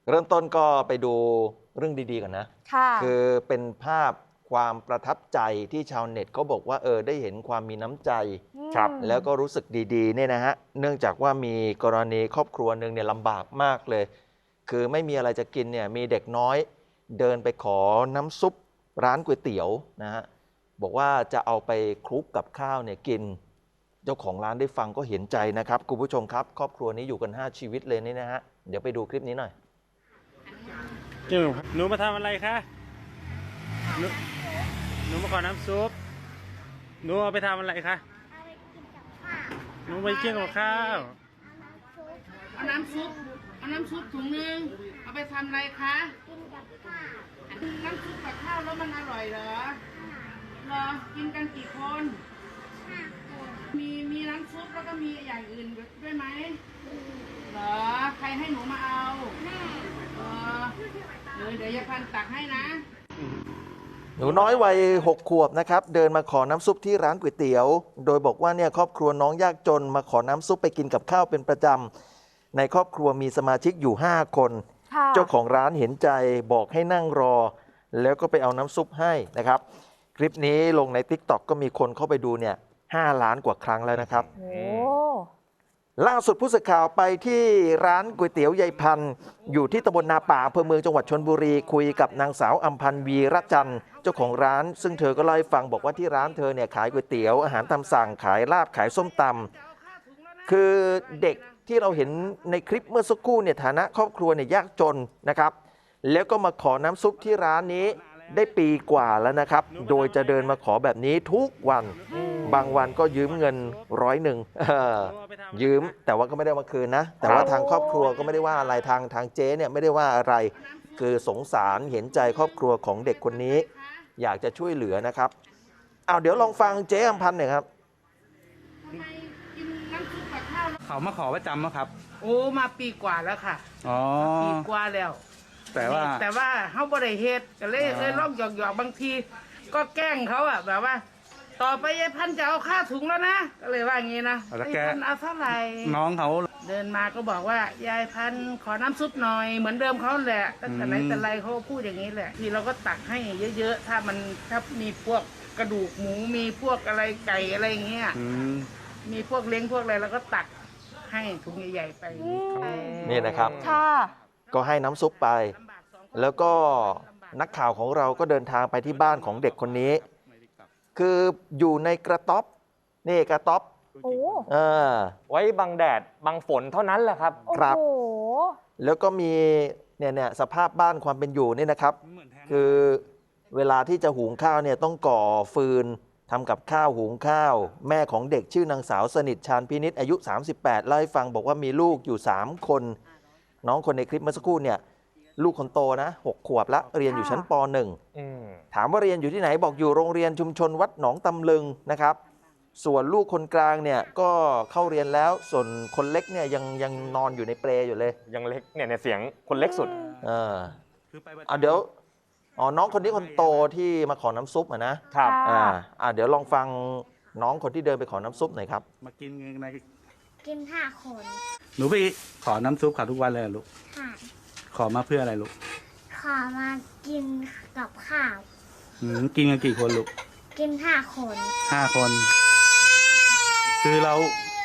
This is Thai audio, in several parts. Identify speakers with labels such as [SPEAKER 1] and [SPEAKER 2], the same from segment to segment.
[SPEAKER 1] เริ่มต้นก็ไปดูเรื่องดีๆก่อนนะ
[SPEAKER 2] ค่ะ
[SPEAKER 1] คือเป็นภาพความประทับใจที่ชาวเน็ตเขาบอกว่าได้เห็นความมีน้ำใจ
[SPEAKER 2] ครับ
[SPEAKER 1] แล้วก็รู้สึกดีๆเนี่ยนะฮะเนื่องจากว่ามีกรณีครอบครัวหนึ่งเนี่ยลำบากมากเลยคือไม่มีอะไรจะกินเนี่ยมีเด็กน้อยเดินไปขอน้ำซุปร้านก๋วยเตี๋ยวนะฮะบอกว่าจะเอาไปคลุกกับข้าวเนี่ยกินเจ้าของร้านได้ฟังก็เห็นใจนะครับคุณผู้ชมครับครอบครัวนี้อยู่กัน5ชีวิตเลยนี่นะฮะเดี๋ยวไปดูคลิปนี้หน่อย
[SPEAKER 3] หนูมาทำอะไรคะหนูหนูมาขอน้ำซุปหนูเอาไปทำอะไรคะหนูไปกินกับข้าว
[SPEAKER 4] เอาน้ำซุปถุงนึง เอาไปทำอะไรคะ กินกับข้าว น้ำซุปกับข้าวแล้วมันอร่อยเหรอเหรอ กินกันกี่คนมีน้ำซุปแล้วก็มีอย่างอื่นด้วยไหมเหรอ ใครให้หนูมาเอาแม่เดี๋ยวยายพันตักให้นะ
[SPEAKER 1] หนูน้อยวัย6 ขวบนะครับเดินมาขอน้ำซุปที่ร้านก๋วยเตี๋ยวโดยบอกว่าเนี่ยครอบครัวน้องยากจนมาขอน้ำซุปไปกินกับข้าวเป็นประจำในครอบครัวมีสมาชิกอยู่5 คนเจ้าของร้านเห็นใจบอกให้นั่งรอแล้วก็ไปเอาน้ำซุปให้นะครับคลิปนี้ลงใน TikTok ก็มีคนเข้าไปดูเนี่ย5 ล้านกว่าครั้งแล้วนะครับล่าสุดผู้สื่อข่าวไปที่ร้านก๋วยเตี๋ยวยายพันธุ์อยู่ที่ตำบลนาป่าอำเภอเมืองจังหวัดชลบุรีคุยกับนางสาวอัมพันธ์วีระจันทร์เจ้าของร้านซึ่งเธอก็เล่าให้ฟังบอกว่าที่ร้านเธอเนี่ยขายก๋วยเตี๋ยวอาหารตามสั่งขายลาบขายส้มตำคือเด็กที่เราเห็นในคลิปเมื่อสักครู่เนี่ยฐานะครอบครัวเนี่ยยากจนนะครับแล้วก็มาขอน้ำซุปที่ร้านนี้ได้ปีกว่าแล้วนะครับโดยจะเดินมาขอแบบนี้ทุกวันบางวันก็ยืมเงิน100ยืมแต่ว่าก็ไม่ได้มาคืนนะแต่ว่าทางครอบครัวก็ไม่ได้ว่าอะไรทางเจ๊เนี่ยไม่ได้ว่าอะไรคือสงสารเห็นใจครอบครัวของเด็กคนนี้อยากจะช่วยเหลือนะครับเอาเดี๋ยวลองฟังเจ๊อำพันธ์หน่อยครับ
[SPEAKER 3] เขามาขอประจำครับ
[SPEAKER 4] โอ้มาปีกว่าแล้วค่ะ
[SPEAKER 3] อ๋อ
[SPEAKER 4] ปีกว่าแล้วแต่ว่าเขาบริเหตุก็เลยลองหยอกบางที ก็แกล้งเขาอ่ะแบบว่า ต่อไปยายพันธุ์จะเอาค่าถุงแล้วนะก็เลยว่าอย่างนี้นะยายพันธุ์เอาเท่าไหร่
[SPEAKER 3] น้องเขา
[SPEAKER 4] เดินมาก็บอกว่ายายพันธุ์ขอน้ำซุปหน่อยเหมือนเดิมเขาแหละตั้งแต่ไหนแต่ไรเขาพูดอย่างนี้แหละทีเราก็ตักให้เยอะๆถ้ามีพวกกระดูกหมูมีพวกอะไรไก่อะไรอย่างเงี้ยมีพวกเล้งพวกอะไรเราก็ตักให้ถุงใหญ่ๆไป
[SPEAKER 1] นี่นะครับก็ให้น้ำซุปไปแล้วก็นักข่าวของเราก็เดินทางไปที่บ้านของเด็กคนนี้คืออยู่ในกระต๊อบนี่กระต๊อบ
[SPEAKER 5] ไว้บังแดดบังฝนเท่านั้นแหละครับ
[SPEAKER 1] ครับแล้วก็มีเนี่ยสภาพบ้านความเป็นอยู่นี่นะครับคือเวลาที่จะหุงข้าวเนี่ยต้องก่อฟืนทำกับข้าวหุงข้าวแม่ของเด็กชื่อนางสาวสนิทชาญพินิจอายุ38เล่าให้ฟังบอกว่ามีลูกอยู่3 คนน้องคนในคลิปเมื่อสักครู่เนี่ยลูกคนโตนะ6 ขวบละเรียนอยู่ชั้นป .1 ถามว่าเรียนอยู่ที่ไหนบอกอยู่โรงเรียนชุมชนวัดหนองตำลึงนะครับส่วนลูกคนกลางเนี่ยก็เข้าเรียนแล้วส่วนคนเล็กเนี่ยยังนอนอยู่ในเปลอยู่เลย
[SPEAKER 5] ยังเล็กเนี่ยเสียงคนเล็กสุด
[SPEAKER 1] เดี๋ยวน้องคนนี้คนโตที่มาขอน้ำซุปนะครับเดี๋ยวลองฟังน้องคนที่เดินไปขอน้ำซุปหน่อยครับ
[SPEAKER 3] มากิน
[SPEAKER 6] กิน5 คน
[SPEAKER 3] หนูไปขอน้ำซุปเขาทุกวันเลยลูกขอมาเพื่ออะไรลูก
[SPEAKER 6] ขอมากินกับข้าว
[SPEAKER 3] กินกันกี่คนลูก
[SPEAKER 6] กิน5 คน
[SPEAKER 3] 5 คนคือเรา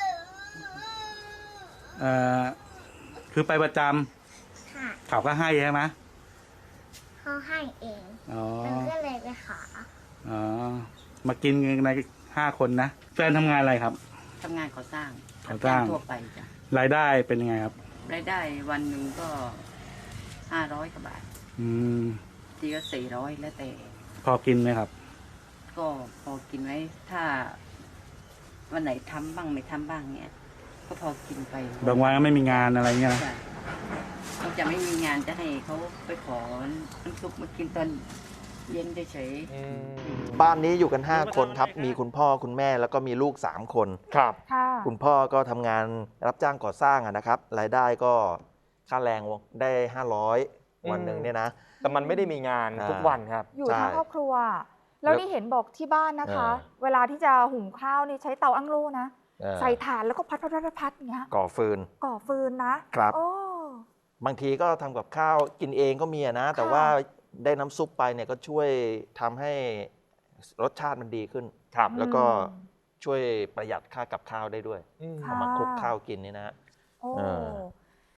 [SPEAKER 3] คือไปประจำเขาก็ให้ใช่ไหม
[SPEAKER 6] เขาให้เองก็เลยไปขอ
[SPEAKER 3] มากินกันใน5 คนนะแฟนทำงานอะไรครับ
[SPEAKER 4] ทำงานก่อสร้าง
[SPEAKER 3] ทั่วไปจ้ะรายได้เป็นยังไงครับ
[SPEAKER 4] รายได้วันหนึ่งก็500 กว่าบาททีก็400แล้วแต่
[SPEAKER 3] พอกินไหมครับ
[SPEAKER 4] ก็พอกินไว้ถ้าวันไหนทำบ้างไม่ทำบ้างเนี่ยก็พอกินไป
[SPEAKER 3] บางวันก็ไม่มีงานอะไรเงี้ยนะ
[SPEAKER 4] เขาจะไม่มีงานจะให้เขาไปขอน้ำซุปมากินตอนเย็นเฉย
[SPEAKER 1] บ้านนี้อยู่กัน5 คนครับมีคุณพ่อคุณแม่แล้วก็มีลูก3 คน
[SPEAKER 5] ครับ
[SPEAKER 1] คุณพ่อก็ทำงานรับจ้างก่อสร้างนะครับรายได้ก็ค่าแรงได้500วันหนึ่งเนี่ยนะ
[SPEAKER 5] แต่มันไม่ได้มีงานทุกวันครับ
[SPEAKER 2] อยู่ทั้งครอบครัวแล้วนี่เห็นบอกที่บ้านนะคะเวลาที่จะหุงข้าวนี่ใช้เตาอั้งโล่นะใส่ถ่านแล้วก็พัดอย่างเงี้ย
[SPEAKER 1] ก่อฟืน
[SPEAKER 2] นะครับ
[SPEAKER 1] บางทีก็ทำกับข้าวกินเองก็มีอะนะ แต่ว่าได้น้ำซุปไปเนี่ยก็ช่วยทำให้รสชาติมันดีขึ้น
[SPEAKER 5] ครับ
[SPEAKER 1] แล้วก็ช่วยประหยัดค่ากับข้าวได้ด้วย
[SPEAKER 5] อืม
[SPEAKER 2] ค่ะ
[SPEAKER 1] เอามาคลุกข้าวกินนี่นะฮะ
[SPEAKER 2] โอ้
[SPEAKER 1] เออ